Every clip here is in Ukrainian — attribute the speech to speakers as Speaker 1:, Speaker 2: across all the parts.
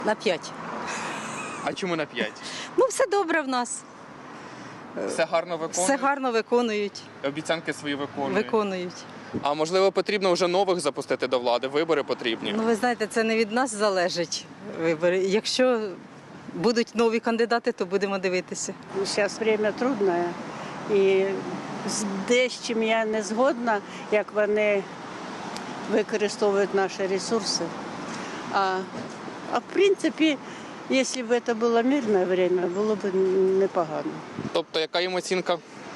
Speaker 1: На 5.
Speaker 2: А чому на 5?
Speaker 1: Ну, все добре в нас.
Speaker 2: Все гарно виконують?
Speaker 1: Все гарно виконують.
Speaker 2: Обіцянки свої виконують?
Speaker 1: Виконують.
Speaker 2: А можливо, потрібно вже нових запустити до влади? Вибори потрібні?
Speaker 1: Ну, ви знаєте, це не від нас залежить вибори. Якщо будуть нові кандидати, то будемо дивитися.
Speaker 3: Зараз время трудне і з дещо я не згодна, як вони використовують наші ресурси. А в принципі, якщо б це було мирне время, було б непогано.
Speaker 2: Тобто, яка їм оцінка?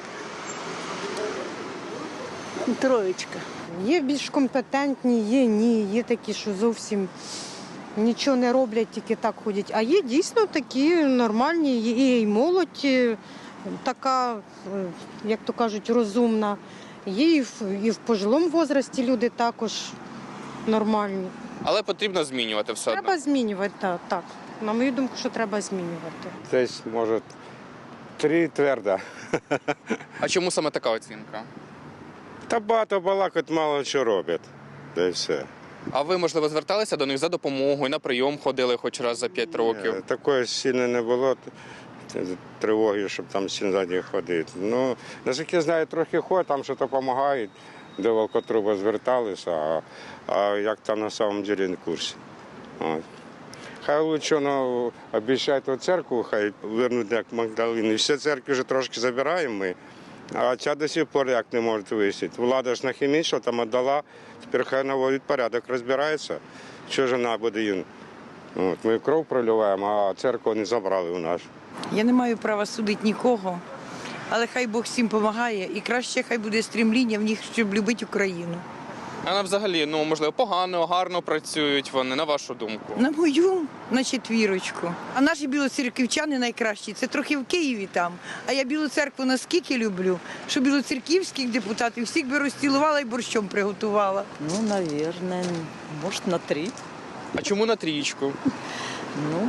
Speaker 3: Троєчка.
Speaker 4: Є більш компетентні, є ні, є такі, що зовсім нічого не роблять, тільки так ходять. А є дійсно такі нормальні, є і молодь така, як то кажуть, розумна. Є і в пожилому возрасті люди також нормальні.
Speaker 2: Але потрібно змінювати все одно.
Speaker 4: Треба змінювати, так. На мою думку, що треба змінювати.
Speaker 5: Десь, може, 3 твердо.
Speaker 2: А чому саме така оцінка?
Speaker 5: Та багато балакать, мало що роблять. Та й все.
Speaker 2: А ви, можливо, зверталися до них за допомогою, на прийом ходили хоч раз за 5 років?
Speaker 5: Такої сильно не було тривоги, щоб там сильно за них ходити. Ну, наскільки я знаю, трохи ходять, там щось допомагають, до Волкотруба зверталися, а як там на самом деле не в курсі. От. Хай лучше обіцяють у церкву, хай вернуть як Магдалини. Всі церкви вже трошки забираємо ми, а ця до сих пор як не можуть висіти. Влада ж нахімічила, там віддала, тепер хай наводить порядок, розбирається, що ж вона буде їм. От, ми кров проливаємо, а церкву не забрали у нас.
Speaker 6: Я не маю права судити нікого, але хай Бог всім допомагає і краще хай буде стрімління в них, щоб любити Україну.
Speaker 2: А взагалі, можливо, погано, гарно працюють вони, на вашу думку?
Speaker 6: На мою, на 4. А наші білоцерківчани найкращі. Це трохи в Києві там. А я Білу церкву наскільки люблю, що білоцерківських депутатів всіх би розцілувала і борщом приготувала.
Speaker 7: Ну, наверное, может, на 3.
Speaker 2: А чому на 3?
Speaker 7: Ну,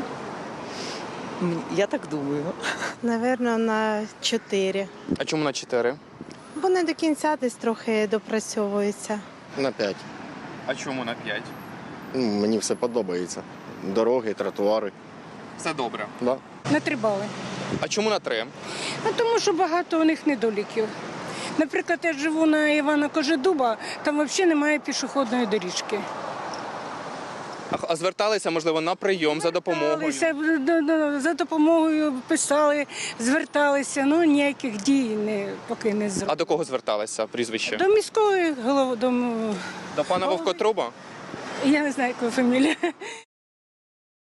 Speaker 7: я так думаю.
Speaker 8: Наверно, на 4.
Speaker 2: А чому на 4?
Speaker 8: Бо не до кінця десь трохи допрацьовується.
Speaker 9: На 5.
Speaker 2: А чому на 5?
Speaker 9: Мені все подобається. Дороги, тротуари.
Speaker 2: Все добре.
Speaker 9: Да.
Speaker 10: На 3 бали.
Speaker 2: А чому на 3?
Speaker 10: Тому що багато у них недоліків. Наприклад, я живу на Івана Кожедуба, там взагалі немає пішохідної доріжки.
Speaker 2: А зверталися, можливо, на прийом за допомогою?
Speaker 10: За допомогою писали, зверталися, ніяких дій поки не зробили.
Speaker 2: А до кого зверталися, прізвище?
Speaker 10: До міської голови,
Speaker 2: До пана Вовкотруба?
Speaker 10: я не знаю, яка фамілія.